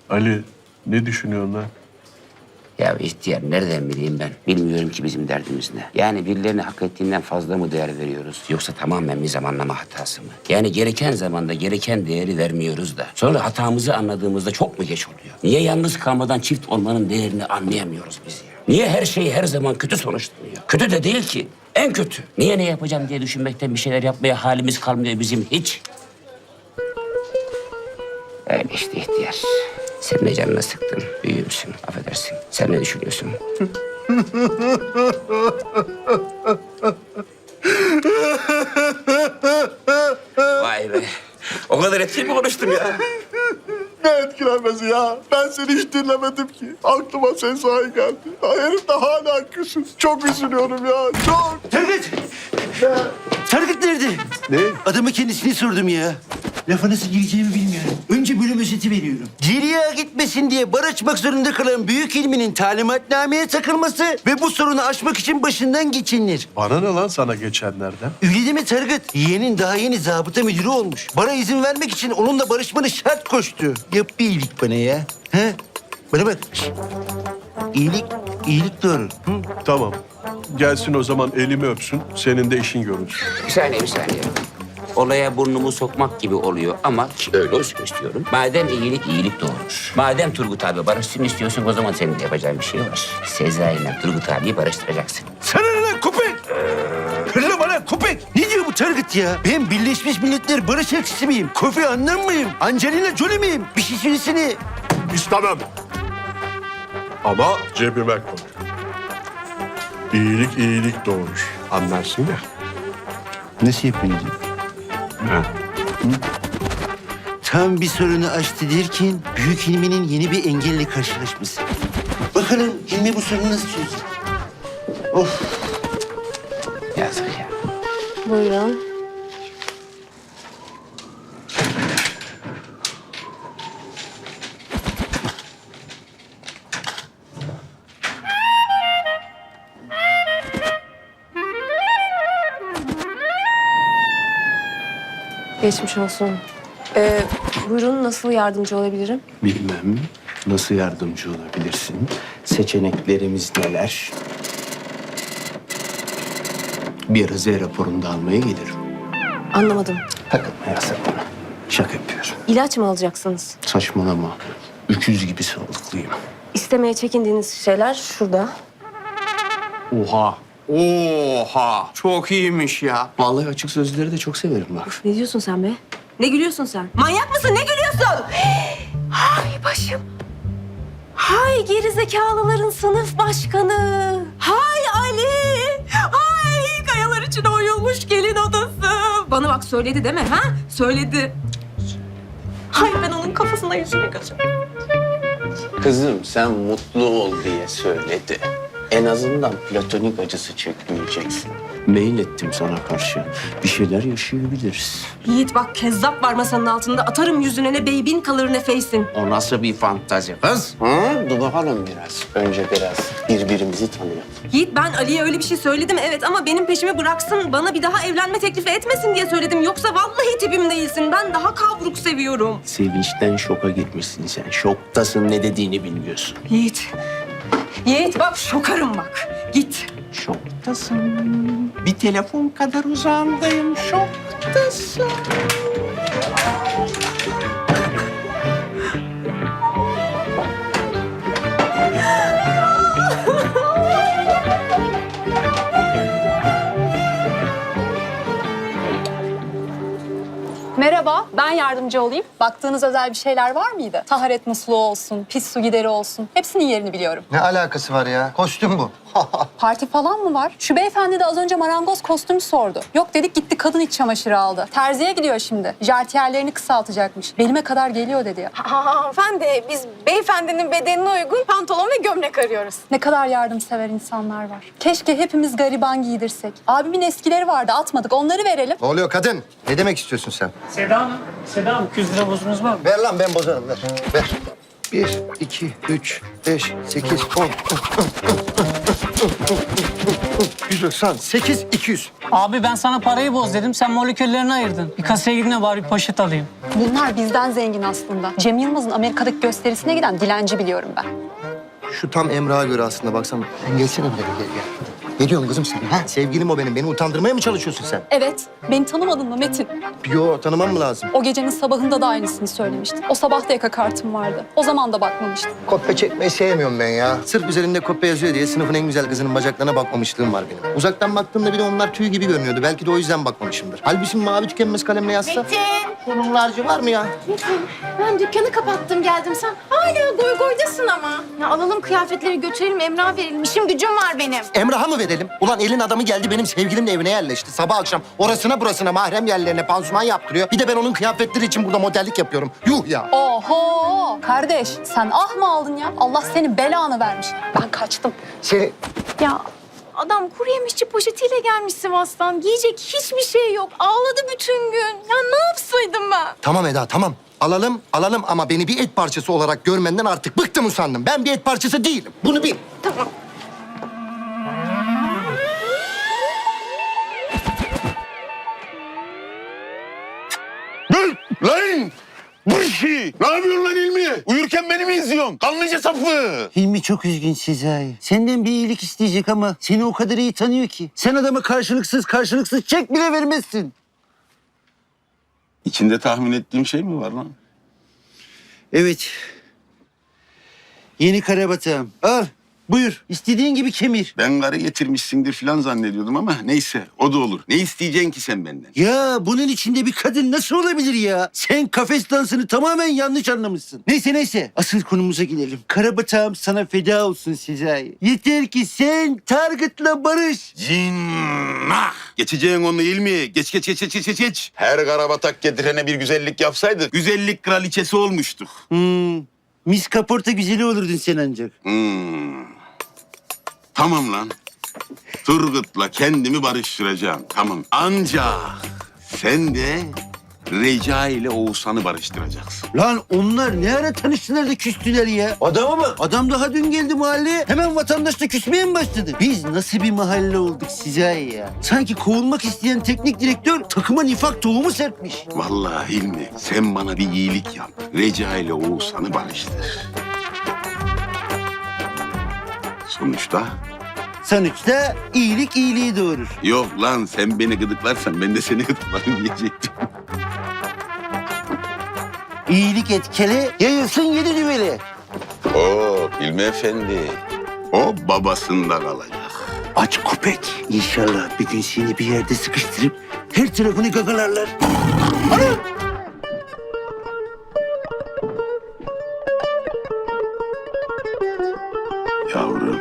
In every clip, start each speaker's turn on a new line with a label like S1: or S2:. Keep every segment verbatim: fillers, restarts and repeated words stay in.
S1: Ali, ne düşünüyorsun lan?
S2: Ya ihtiyar nereden bileyim ben? Bilmiyorum ki bizim derdimiz ne. Yani birilerine hak ettiğinden fazla mı değer veriyoruz? Yoksa tamamen bir zamanlama hatası mı? Yani gereken zamanda gereken değeri vermiyoruz da. Sonra hatamızı anladığımızda çok mu geç oluyor? Niye yalnız kalmadan çift olmanın değerini anlayamıyoruz biz ya? Niye her şey her zaman kötü sonuçlanıyor? Kötü de değil ki. En kötü. Niye ne yapacağım diye düşünmekten bir şeyler yapmaya halimiz kalmıyor bizim hiç. Öyle işte ihtiyar. Sen de canına sıktın. Büyüğümsün. Affedersin. Sen ne düşünüyorsun? Vay be. O kadar etkili mi konuştum ya?
S1: Ne etkilenmesi ya? Ben seni hiç dinlemedim ki. Aklıma sen sahi geldi. Ya herif de hala küsüz. Çok üzülüyorum ya. Çok.
S3: Tarık! Tarık nerede?
S1: Ne?
S3: Adama kendisini sordum ya. Lafa nasıl gireceğimi bilmiyorum. Önce bölüm özeti veriyorum. Geriye gitmesin diye bar açmak zorunda kalan büyük ilminin talimatnameye takılması ve bu sorunu aşmak için başından geçinilir.
S1: Bana ne lan sana geçenlerden?
S3: Öyle deme Tarık. Yeğenin daha yeni zabıta müdürü olmuş. Bara izin vermek için onunla barışmanı şart koştu. Yap bir iyilik bana ya. Ha? Bana bak. Şişt. İyilik, iyilik doğru. Hı?
S1: Tamam. Gelsin o zaman elimi öpsün. Senin de işin görünsün.
S2: Bir saniye, bir saniye. Olaya burnumu sokmak gibi oluyor ama ki öyle olsun istiyorum. Madem iyilik iyilik doğurur. Madem Turgut abi barışsın istiyorsun o zaman senin de yapacağın bir şey var. Sezai ile Turgut abiyi barıştıracaksın.
S3: Sana ne lan köpek? Hırlama lan köpek. Ne diyor bu Tarık ya? Ben Birleşmiş Milletler Barış Elçisi miyim? Kofi Annan mıyım? Angelina Jolie miyim? Bir şey söylesene.
S1: İstemem. Ama cebime koy. İyilik iyilik doğurur. Anlarsın ya.
S3: Nasıl yapıyorsun?
S1: Ha.
S3: Tam bir sorunu aştı derken büyük ilminin yeni bir engelle karşılaşması. Bakalım ilmi bu sorunu nasıl çözecek? Of.
S2: Yazık ya.
S4: Buyurun. Geçmiş olsun. Ee, buyurun, nasıl yardımcı olabilirim?
S5: Bilmem. Nasıl yardımcı olabilirsin? Seçeneklerimiz neler? Bir ara Z raporunu almaya gelirim.
S4: Anlamadım.
S5: Takılma ya sen bana. Şaka yapıyorum.
S4: İlaç mı alacaksınız?
S5: Saçmalama. Öküz gibi sağlıklıyım.
S4: İstemeye çekindiğiniz şeyler şurada.
S5: Oha. Oha. Çok iyiymiş ya. Vallahi açık sözleri de çok severim bak.
S4: Ne diyorsun sen be? Ne gülüyorsun sen? Manyak mısın? Ne gülüyorsun? Hay başım. Hay gerizekalıların sınıf başkanı. Hay Ali. Hay kayalar içine oyulmuş gelin odası. Bana bak söyledi değil mi? Ha? Söyledi. Hay ben onun kafasına yüzünü gözüm.
S5: Kızım sen mutlu ol diye söyledi. En azından platonik acısı çekmeyeceksin. Mail ettim sana karşı. Bir şeyler yaşayabiliriz.
S4: Yiğit bak kezzap var masanın altında. Atarım yüzüne ne beybin kalır ne feysin.
S5: O nasıl bir fantazi kız? Hı? Dur bakalım biraz. Önce biraz birbirimizi tanıyalım.
S4: Yiğit ben Ali'ye öyle bir şey söyledim evet ama benim peşimi bıraksın. Bana bir daha evlenme teklifi etmesin diye söyledim. Yoksa vallahi tipim değilsin. Ben daha kavruk seviyorum.
S5: Sevinçten şoka girmişsin sen. Şoktasın, ne dediğini bilmiyorsun.
S4: Yiğit. Yiğit bak şokarım bak. Git.
S5: Şoktasın. Bir telefon kadar uzağımdayım. Şoktasın.
S6: Merhaba, ben yardımcı olayım. Baktığınız özel bir şeyler var mıydı? Taharet musluğu olsun, pis su gideri olsun. Hepsinin yerini biliyorum.
S7: Ne alakası var ya? Kostüm bu.
S6: Parti falan mı var? Şu beyefendi de az önce marangoz kostümü sordu. Yok dedik gitti kadın iç çamaşırı aldı. Terziye gidiyor şimdi. Jartiyerlerini kısaltacakmış. Belime kadar geliyor dedi ya.
S8: Hanımefendi, biz beyefendinin bedenine uygun pantolon ve gömlek arıyoruz.
S6: Ne kadar yardımsever insanlar var. Keşke hepimiz gariban giydirsek. Abimin eskileri vardı atmadık onları verelim.
S7: Ne oluyor kadın? Ne demek istiyorsun sen?
S9: Seda Hanım, Seda Hanım iki yüz lira bozunuz var mı?
S7: Ver lan ben bozarım ver. Ver. Bir, iki, üç, beş, sekiz, on. doksan sekiz iki yüz.
S9: Abi ben sana parayı boz dedim. Sen moleküllerini ayırdın. Bir kasaya gidin de bari bir poşet alayım.
S6: Bunlar bizden zengin aslında. Cem Yılmaz'ın Amerika'daki gösterisine giden dilenci biliyorum ben.
S7: Şu tam Emrah'a göre aslında baksana. Sen gelsene buraya gel gel. Ne diyorsun kızım sen? Ha? Sevgilim o benim. Beni utandırmaya mı çalışıyorsun sen?
S6: Evet, beni tanımadın mı Metin?
S7: Yo, tanımam mı lazım?
S6: O gecenin sabahında da aynısını söylemiştin. O sabah da yaka kartım vardı. O zaman da bakmamıştım.
S7: Kopya çekmeyi sevmiyorum ben ya. Sırf üzerinde kopya yazıyor diye sınıfın en güzel kızının bacaklarına bakmamışlığım var benim. Uzaktan baktığımda bir de onlar tüy gibi görünüyordu. Belki de o yüzden bakmamışımdır. Halbuki mavi tükenmez kalemle yazsa...
S8: Metin.
S7: Bunun harcı var mı ya?
S8: Metin, ben dükkanı kapattım geldim. Sen hala goy goydasın ama. Ya alalım kıyafetleri götürelim, Emrah'a verelim. İşim gücüm var benim.
S7: Emrah'a mı verelim? Ulan elin adamı geldi benim sevgilimin evine yerleşti. Sabah akşam orasına burasına mahrem yerlerine pansuman yaptırıyor. Bir de ben onun kıyafetleri için burada modellik yapıyorum. Yuh ya.
S6: Oho! Kardeş, sen ah mı aldın ya? Allah senin belanı vermiş. Ben kaçtım.
S7: Seni...
S8: Ya adam kuru yemişçi poşetiyle gelmiş Sivas'tan. Giyecek hiçbir şey yok. Ağladı bütün gün. Ya ne yapsaydım ben?
S7: Tamam Eda, tamam. Alalım, alalım ama beni bir et parçası olarak görmenden artık bıktım usandım. Ben bir et parçası değilim. Bunu bil.
S8: Tamam.
S5: Dur lan! Bu işi! Ne yapıyorsun lan İlmi? Uyurken beni mi izliyorsun? Kanlıca sapı!
S3: Hilmi çok üzgün Sezai. Senden bir iyilik isteyecek ama seni o kadar iyi tanıyor ki. Sen adama karşılıksız karşılıksız çek bile vermezsin.
S5: İçinde tahmin ettiğim şey mi var lan?
S3: Evet. Yeni karabatağım. Al. Buyur. İstediğin gibi kemir.
S5: Ben karı getirmişsindir falan zannediyordum ama neyse o da olur. Ne isteyeceksin ki sen benden?
S3: Ya bunun içinde bir kadın nasıl olabilir ya? Sen kafes dansını tamamen yanlış anlamışsın. Neyse neyse. Asıl konumuza gidelim. Karabatağım sana feda olsun Sezai. Yeter ki sen Target'la barış.
S5: Cinnah! Geçeceğin onu İlmi. Geç geç geç geç geç geç. Her karabatak getirene bir güzellik yapsaydık güzellik kraliçesi olmuştuk.
S3: Hmm. Mis kaporta güzeli olurdun sen ancak.
S5: Hmm. Tamam lan. Turgut'la kendimi barıştıracağım. Tamam. Ancak sen de Reca ile Oğuzhan'ı barıştıracaksın.
S3: Lan onlar ne ara tanıştılar da küstüler ya? Adama bak. Adam daha dün geldi mahalleye. Hemen vatandaşla küsmeye mi başladı? Biz nasıl bir mahalle olduk size ya? Sanki kovulmak isteyen teknik direktör takıma nifak tohumu serpmiş.
S5: Vallahi Hilmi sen bana bir iyilik yap. Reca ile Oğuzhan'ı barıştır. Sonuçta
S3: Sonuçta iyilik iyiliği doğurur.
S5: yok lan sen beni gıdıklarsan ben de seni gıdıklarım diyecektim.
S3: İyilik etkili, yayılsın yedi düveli.
S5: Oo Hilmi Efendi. O babasında kalacak.
S3: Aç köpek. İnşallah bir gün seni bir yerde sıkıştırıp her tarafını gagalarlar.
S5: Yavrum.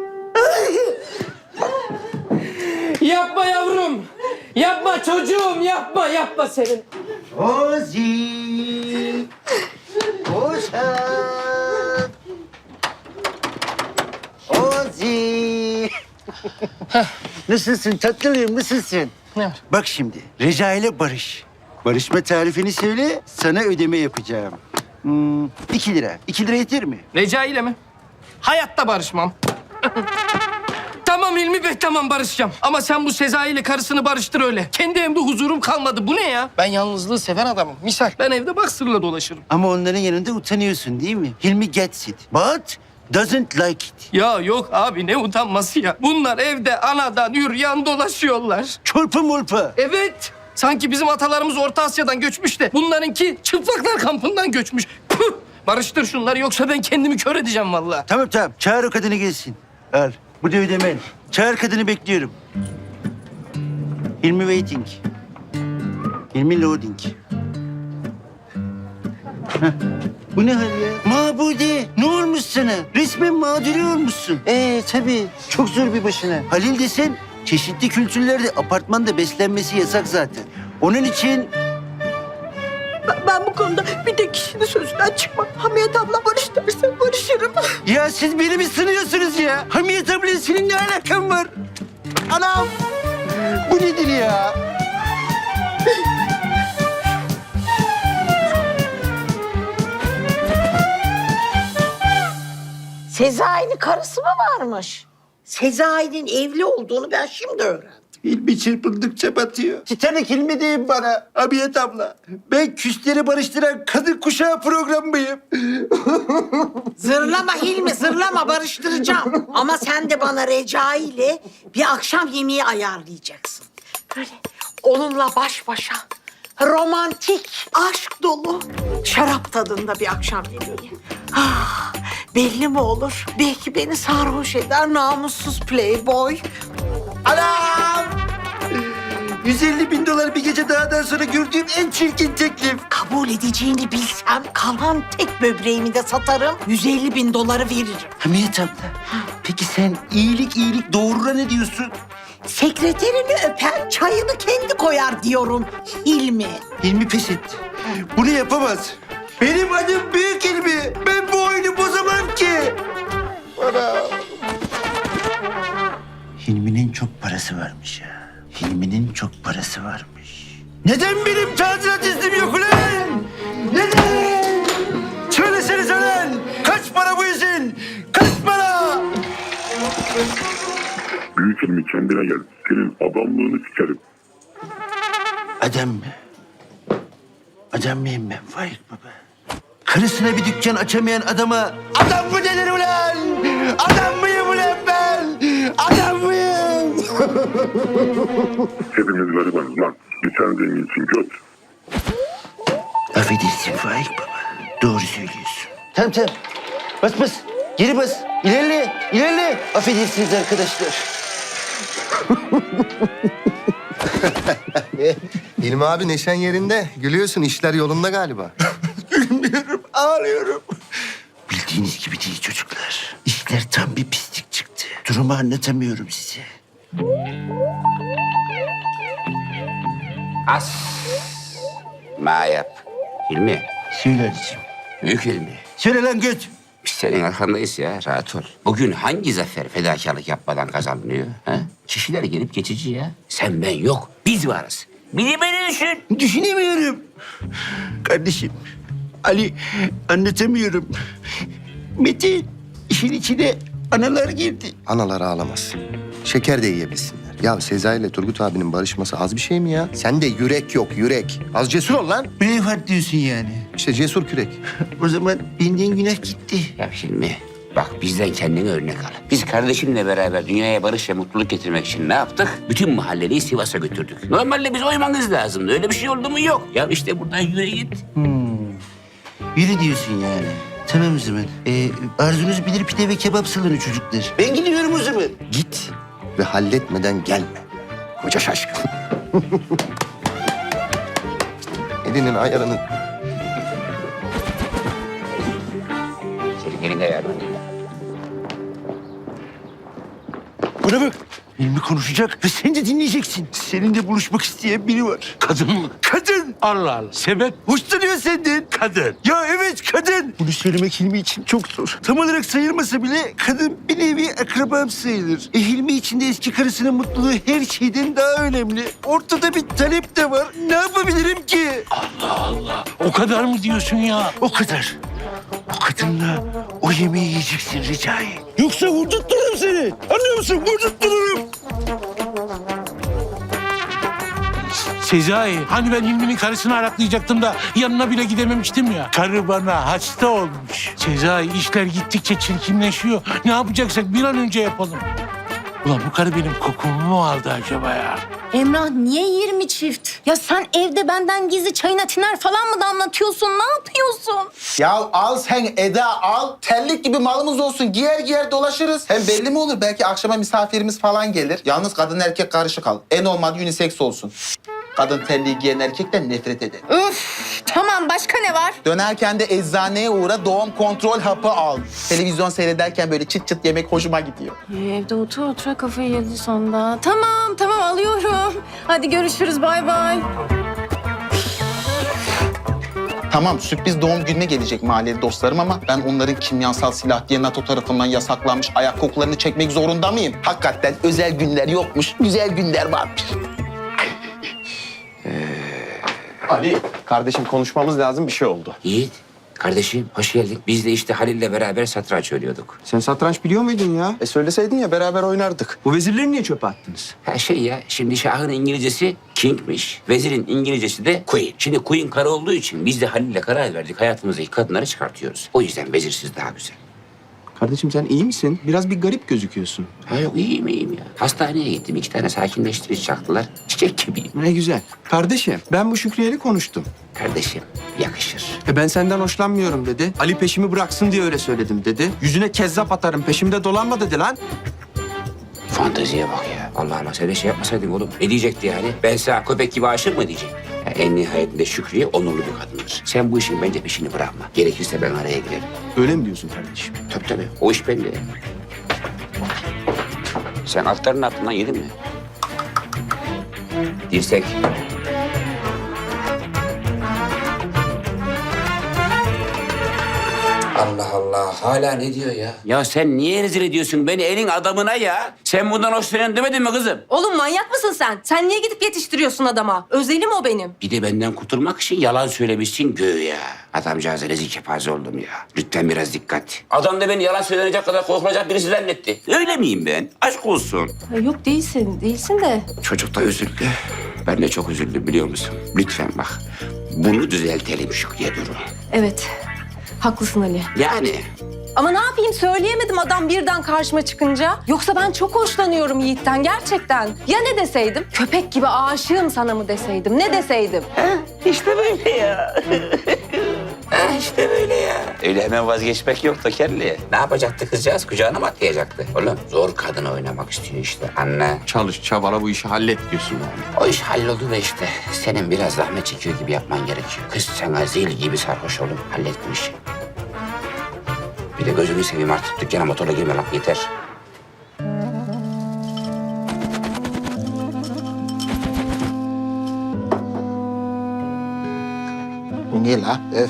S10: Yapma yavrum. Yapma çocuğum. Yapma, yapma senin.
S3: Ozi. Oğuzhan. Ozi. Nasılsın tatlılığım, nasılsın?
S10: Ne var?
S3: Bak şimdi, Reca ile barış. Barışma tarifini söyle, sana ödeme yapacağım. Hmm, iki lira. İki lira yeter mi?
S10: Reca ile mi? Hayatta barışmam. Tamam İlmi Bey, tamam barışacağım. Ama sen bu Sezai ile karısını barıştır öyle. Kendi evimde huzurum kalmadı. Bu ne ya? Ben yalnızlığı seven adamım. Misal ben evde baksırla dolaşırım.
S3: Ama onların yanında utanıyorsun değil mi? Hilmi gets it, but doesn't like it.
S10: Ya yok abi, ne utanması ya. Bunlar evde anadan yürüyen dolaşıyorlar.
S3: Çorpa molpa.
S10: Evet. Sanki bizim atalarımız Orta Asya'dan göçmüş de bunlarınki çıplaklar kampından göçmüş. Püh! Barıştır şunları yoksa ben kendimi kör edeceğim vallahi.
S3: Tamam tamam, çağır o kadını gelsin. Al, bu da ödemen. Çağır kadını, bekliyorum. Hilmi waiting. Hilmi loading. Heh. Bu ne hal ya? Mabude, ne olmuş sana? Resmen mağduri olmuşsun. Ee tabii, çok zor bir başına. Halil desen, çeşitli kültürlerde apartmanda beslenmesi yasak zaten. Onun için...
S4: Ben, ben bu konuda bir tek kişinin sözünden çıkmam. Hamiyet abla barış derse barışırım.
S3: Ya siz beni mi sınıyorsunuz ya? Hamiyet abla senin ne alakan var? Anam! Bu nedir ya?
S11: Sezai'nin karısı mı varmış? Sezai'nin evli olduğunu ben şimdi öğrendim.
S3: Hilmi çırpındıkça batıyor. Titanik Hilmi deyin bana Hamiyet abla. Ben küsleri barıştıran kadın kuşağı programıyım.
S11: Zırlama Hilmi, zırlama, barıştıracağım. Ama sen de bana Recai ile bir akşam yemeği ayarlayacaksın. Böyle onunla baş başa, romantik, aşk dolu, şarap tadında bir akşam yemeği. Ah, belli mi olur? Belki beni sarhoş eder namussuz playboy.
S3: Anam! yüz elli bin dolar bir gece dağdan sonra gördüğüm en çirkin teklif.
S11: Kabul edeceğini bilsem kalan tek böbreğimi de satarım, yüz elli bin doları veririm.
S3: Hamiyet abla, peki sen iyilik iyilik doğruna ne diyorsun?
S11: Sekreterini öpen çayını kendi koyar diyorum Hilmi.
S3: Hilmi pes etti. Bunu yapamaz. Benim adım Büyük Hilmi. Ben bu oyunu bozamam ki. Ana. Hilmi'nin çok parası varmış ya. Hilmi'nin çok parası varmış. Neden benim tadilat iznim yok ulan? Neden? Söylesenize ulan. Kaç para bu izin? Kaç para?
S1: Büyük ilmi kendine gel. Senin adamlığını sikerim.
S3: Adam mı? Adam mıyım ben Faik baba? Karısına bir dükkan açamayan adama adam mı denir ulan? Adam mıyım ulan ben? Adam mıyım?
S1: Hepimiz garibanız lan. Bir sen zenginsin göt.
S3: Affedersin Faik baba. Doğru söylüyorsun. Tamam tamam. Bas bas. Geri bas. İlerle. İlerle. Affedersiniz arkadaşlar.
S7: İlmi abi neşen yerinde. Gülüyorsun, işler yolunda galiba.
S3: Gülmüyorum, ağlıyorum. Bildiğiniz gibi değil çocuklar. İşler tam bir pislik çıktı. Durumu anlatamıyorum size.
S2: As. Ma yap. Hilmi.
S3: Söyle Ali'ciğim.
S2: Büyük Hilmi.
S3: Söyle lan göt.
S2: Biz senin arkandayız ya, rahat ol. Bugün hangi zafer fedakarlık yapmadan kazanılıyor? Ha? Kişiler gelip geçici ya. Sen ben yok, biz varız. Beni beni düşün.
S3: Düşünemiyorum. Kardeşim, Ali anlatamıyorum. Metin, işin içine analar girdi.
S7: Analar ağlamaz. Şeker de yiyebilsinler. Ya Sezai ile Turgut abinin barışması az bir şey mi ya? Sende yürek yok, yürek. Az cesur ol lan.
S3: Braveheart diyorsun yani.
S7: İşte cesur kürek.
S3: O zaman benden günah gitti.
S2: Ya Hilmi, bak bizden kendine örnek al. Biz kardeşimle beraber dünyaya barış ve mutluluk getirmek için ne yaptık? Bütün mahalleliyi Sivas'a götürdük. Normalde biz oymanız lazımdı. Öyle bir şey oldu mu? Yok. Ya işte buradan yürü git.
S3: Yürü diyorsun yani. Tamam o zaman. Ee, arzunuz bilir pide ve kebap salonu çocuklar. Ben gidiyorum o zaman.
S7: Git ve halletmeden gelme. Koca şaşkın. Elinin ayarını...
S2: Senin elinde yardım.
S3: Buna bak. Hilmi konuşacak ve sen de dinleyeceksin. Seninle buluşmak isteyen biri var. Kadın mı? Kadın.
S12: Allah Allah. Sebep?
S3: Hoşlanıyor senden.
S12: Kadın.
S3: Ya evet kadın. Bunu söylemek Hilmi için çok zor. Tam olarak sayılmasa bile kadın bir nevi akrabam sayılır. E Hilmi için de eski karısının mutluluğu her şeyden daha önemli. Ortada bir talep de var. Ne yapabilirim ki?
S12: Allah Allah. O kadar mı diyorsun ya?
S3: O kadar. O kadınla o yemeği yiyeceksin Recai. Yoksa vurdurttururum seni. Anlıyor musun? Vurdurttururum.
S12: Sezai, hani ben Hilmi'nin karısını araklayacaktım da yanına bile gidememiştim ya. Karı bana hasta olmuş. Sezai, işler gittikçe çirkinleşiyor. Ne yapacaksak bir an önce yapalım. Ulan bu karı benim kokumu mu aldı acaba ya?
S8: Emrah niye yirmi çift? Ya sen evde benden gizli çayına tiner falan mı damlatıyorsun? Ne yapıyorsun?
S13: Ya al sen Eda al. Terlik gibi malımız olsun. Giyer giyer dolaşırız. Hem belli mi olur? Belki akşama misafirimiz falan gelir. Yalnız kadın erkek karışık al. En olmadı unisex olsun. Kadın terliği giyen erkekten nefret eder.
S8: Üf, tamam başka ne var?
S13: Dönerken de eczaneye uğra doğum kontrol hapı al. Televizyon seyrederken böyle çıt çıt yemek hoşuma gidiyor.
S8: Evde otur otura kafayı yedi sonunda. Tamam tamam alıyorum. Hadi görüşürüz bay bay.
S13: Tamam sürpriz doğum gününe gelecek mahalleli dostlarım ama ben onların kimyasal silah diye NATO tarafından yasaklanmış ayak kokularını çekmek zorunda mıyım? Hakikaten özel günler yokmuş, güzel günler varmış.
S5: Ali, kardeşim konuşmamız lazım bir şey oldu.
S2: Yiğit, Kardeşim hoş geldin. Biz de işte Halil'le beraber satranç oynuyorduk.
S5: Sen satranç biliyor muydun ya? E söyleseydin ya beraber oynardık. Bu vezirleri niye çöpe attınız?
S2: Ha şey ya, şimdi Şah'ın İngilizcesi King'miş. Vezirin İngilizcesi de Queen. Şimdi Queen karı olduğu için biz de Halil'le karar verdik. Hayatımızdaki kadınları çıkartıyoruz. O yüzden vezirsiz daha güzel.
S5: Kardeşim sen iyi misin? Biraz bir garip gözüküyorsun.
S2: Ha yok iyiyim iyiyim ya. Hastaneye gittim. iki tane sakinleştirici çaktılar. Çiçek gibiyim.
S5: Ne güzel. Kardeşim ben bu Şükriye'yle konuştum.
S2: Kardeşim yakışır.
S5: E ben senden hoşlanmıyorum dedi. Ali peşimi bıraksın diye öyle söyledim dedi. Yüzüne kezzap atarım peşimde dolanma dedi lan.
S2: Fanteziye bak ya. Allah'ıma sen de şey yapmasaydın oğlum. Ne diyecekti yani? Ben sana köpek gibi aşık mı diyecek? Ya en nihayetinde Şükriye onurlu bir kadındır. Sen bu işin bence peşini bırakma. Gerekirse ben araya girerim.
S5: Öyle mi diyorsun kardeşim?
S2: Tabii tabii. O iş bende. Sen altlarının altından yedin mi? Dirsek. Allah Allah. Hala ne diyor ya? Ya sen niye rezil ediyorsun beni elin adamına ya? Sen bundan hoşlanıyorsun demedin mi kızım?
S4: Oğlum manyak mısın sen? Sen niye gidip yetiştiriyorsun adama? Özelim o benim.
S2: Bir de benden kurtulmak için yalan söylemişsin göğe. Adamcağıza rezil kepaze oldum ya. Lütfen biraz dikkat. Adam da beni yalan söylenecek kadar korkulacak birisi zannetti. Öyle miyim ben? Aşk olsun.
S4: Ha, yok değilsin, değilsin de.
S2: Çocuk da üzüldü. Ben de çok üzüldüm biliyor musun? Lütfen bak. Bunu düzeltelim Şükriye Duru.
S4: Evet, haklısın Ali.
S2: Yani
S4: Ama ne yapayım söyleyemedim adam birden karşıma çıkınca. Yoksa ben çok hoşlanıyorum Yiğit'ten gerçekten. Ya ne deseydim? Köpek gibi aşığım sana mı deseydim? Ne deseydim?
S2: işte böyle ya. Ha, işte böyle ya. Öyle hemen vazgeçmek yok da kelli. Ne yapacaktı kızcağız? Kucağına mı atlayacaktı? Oğlum zor kadın oynamak istiyor işte. Anne.
S5: Çalış çabala bu işi hallet diyorsun yani.
S2: O iş halloldu da işte. Senin biraz zahmet çekiyor gibi yapman gerekiyor. Kız sana zil gibi sarhoş olup hallet bu işi. Bir de gözünü seveyim artık dükkana motorla girme lan yeter.
S13: Bu ne la? Öf.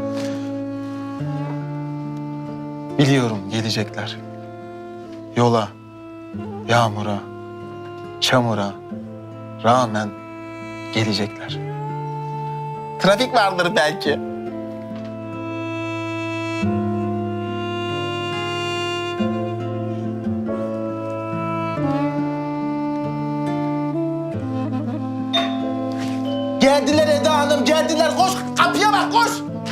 S14: Biliyorum gelecekler. Yola, yağmura, çamura rağmen gelecekler.
S13: Trafik vardır belki. Geldiler Eda Hanım, geldiler. Koş, kapıya bak, koş.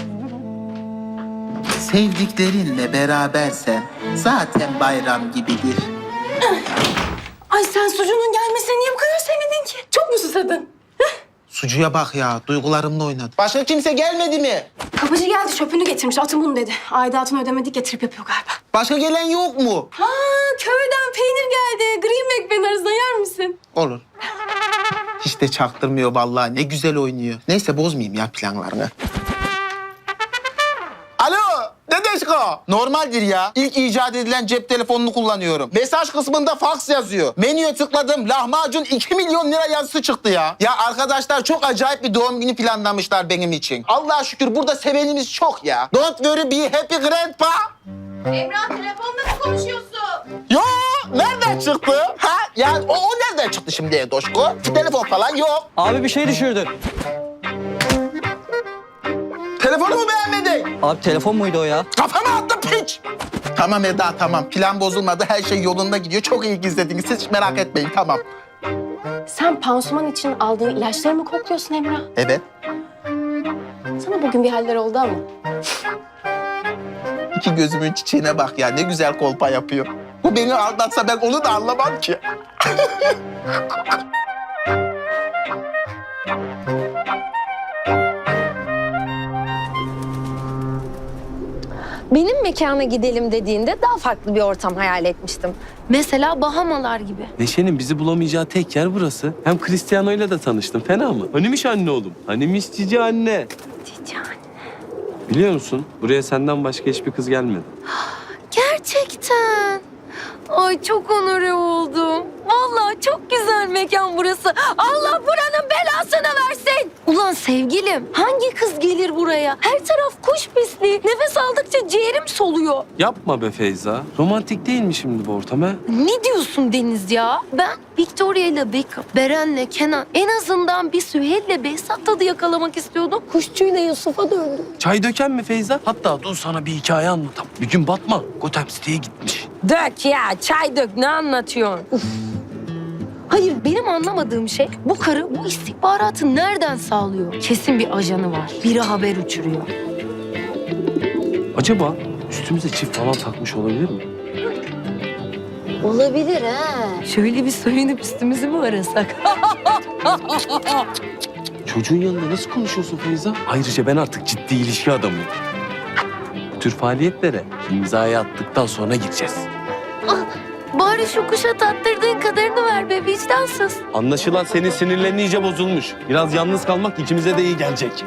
S13: Sevdiklerinle berabersen zaten bayram gibidir.
S4: Ay sen sucuğunun gelmesine niye bu kadar sevindin ki? Çok mu susadın?
S13: Sucuya bak ya, duygularımla oynadı. Başka kimse gelmedi mi?
S8: Kapıcı geldi çöpünü getirmiş atın bunu dedi. Aidatını ödemedik getirip yapıyor galiba.
S13: Başka gelen yok mu?
S8: Ha köyden peynir geldi. Green Mac arasında yer misin?
S13: Olur. Hiç de çaktırmıyor vallahi. Ne güzel oynuyor. Neyse bozmayayım ya planlarını. Alo, Dedeşko. Normaldir ya. İlk icat edilen cep telefonunu kullanıyorum. Mesaj kısmında fax yazıyor. Menüye tıkladım. Lahmacun iki milyon lira yazısı çıktı ya. Ya arkadaşlar çok acayip bir doğum günü planlamışlar benim için. Allah'a şükür burada sevenimiz çok ya. Don't worry be happy grandpa.
S8: Emrah telefonda mı konuşuyorsun?
S13: Yo, nereden çıktı? Ha? Yani o, o nereden çıktı şimdi Edoşko? Telefon falan yok.
S9: Abi bir şey düşürdün.
S13: Telefonu mu beğenmedin?
S9: Abi telefon muydu o ya?
S13: Kafama attın piç. Tamam Eda tamam. Plan bozulmadı. Her şey yolunda gidiyor. Çok iyi gizlediniz. Siz hiç merak etmeyin tamam.
S8: Sen pansuman için aldığın ilaçları mı kokluyorsun Emrah?
S13: Evet.
S8: Sana bugün bir haller oldu ama.
S13: İki gözümün çiçeğine bak ya. Ne güzel kolpa yapıyor. Bu beni aldatsa ben onu da anlamam ki.
S8: Benim mekana gidelim dediğinde daha farklı bir ortam hayal etmiştim. Mesela Bahamalar gibi.
S15: Neşe'nin bizi bulamayacağı tek yer burası. Hem Cristiano'yla da tanıştım. Fena mı? Hanimiş anne oğlum. Hanimiş cici anne.
S8: Cici anne.
S15: Biliyor musun? Buraya senden başka hiçbir kız gelmedi.
S8: Gerçekten. Ay çok onore oldum. Vallahi çok güzel mekan burası. Allah buranın belasını versin. Ulan sevgilim, hangi kız gelir buraya? Her taraf kuş pisliği. Nefes aldıkça ciğerim soluyor.
S15: Yapma be Feyza. Romantik değil mi şimdi bu ortam ha?
S8: Ne diyorsun Deniz ya? Ben Victoria ile Beckham, Beren'le Kenan, en azından bir Süheyl'le Behzat tadı yakalamak istiyordum. Kuşçuyla Yusuf'a döndüm.
S15: Çay döken mi Feyza? Hatta dur sana bir hikaye anlatam. Bir gün Batman Gotham City'ye gitmiş.
S8: Dök ya, çay dök. Ne anlatıyorsun? Uf. Hayır, benim anlamadığım şey bu karı bu istihbaratı nereden sağlıyor? Kesin bir ajanı var. Biri haber uçuruyor.
S15: Acaba üstümüze çift falan takmış olabilir mi?
S8: Olabilir ha. Şöyle bir soyunup üstümüzü mü arasak?
S15: Çocuğun yanında nasıl konuşuyorsun Feyza? Ayrıca ben artık ciddi ilişki adamıyım. Bu tür faaliyetlere imzayı attıktan sonra gireceğiz.
S8: Bari şu kuşa tattırdığın kadarını ver be vicdansız.
S15: Anlaşılan senin sinirlerin iyice bozulmuş. Biraz yalnız kalmak ikimize de iyi gelecek.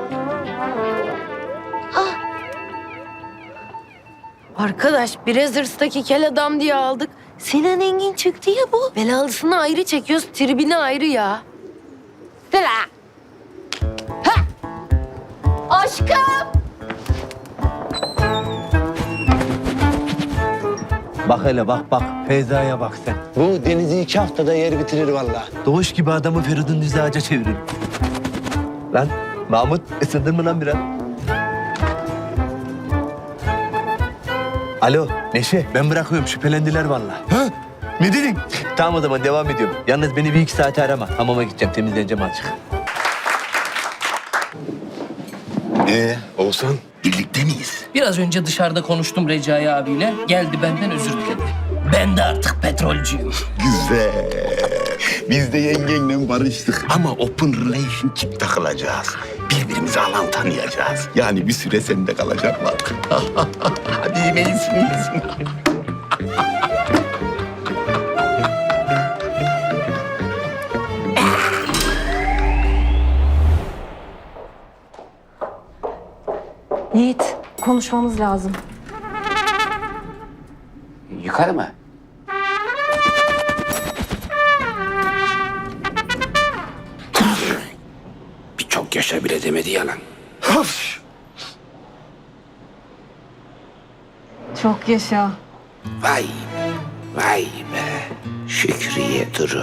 S8: Arkadaş biraz hırstaki kel adam diye aldık. Sinan Engin çıktı ya bu. Belalısını ayrı çekiyoruz, tribini ayrı ya. Sıra. Ha! Aşkım!
S3: Bak hele bak bak. Feyza'ya bak sen.
S5: Bu Deniz'i iki haftada yer bitirir vallahi.
S3: Doğuş gibi adamı Feridun düz ağaca çevirin. Lan Mahmut ısındın mı lan biraz? Alo Neşe ben bırakıyorum şüphelendiler vallahi. Ha? Ne dedin? Tamam o zaman devam ediyorum. Yalnız beni bir iki saate arama. Hamama gideceğim temizleneceğim azıcık.
S1: Ee, Oğuzhan birlikte miyiz?
S10: Biraz önce dışarıda konuştum Recai abiyle. Geldi benden özür diledi. Ben de artık petrolcüyüm.
S1: Güzel. Biz de yengenle barıştık. Ama open relationship takılacağız. Birbirimizi alan tanıyacağız. Yani bir süre sende kalacaklar. Hadi yemeğin sinirsin.
S4: Yiğit, konuşmamız lazım.
S2: Yukarı mı? Bir çok yaşa bile demedi yalan.
S4: Çok yaşa.
S2: Vay, vay be. Şükriye Duru.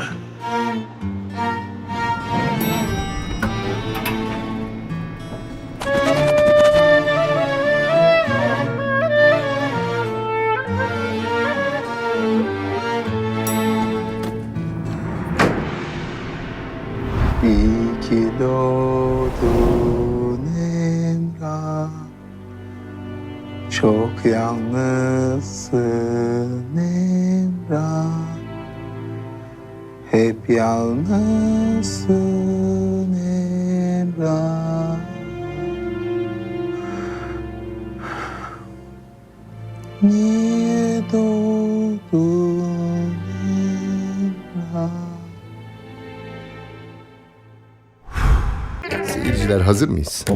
S14: İyi ki doğdun Emrah. Çok yalnızsın Emrah. Hep yalnızsın Emrah. Niye doğdun Emrah?
S1: Seyirciler hazır mıyız?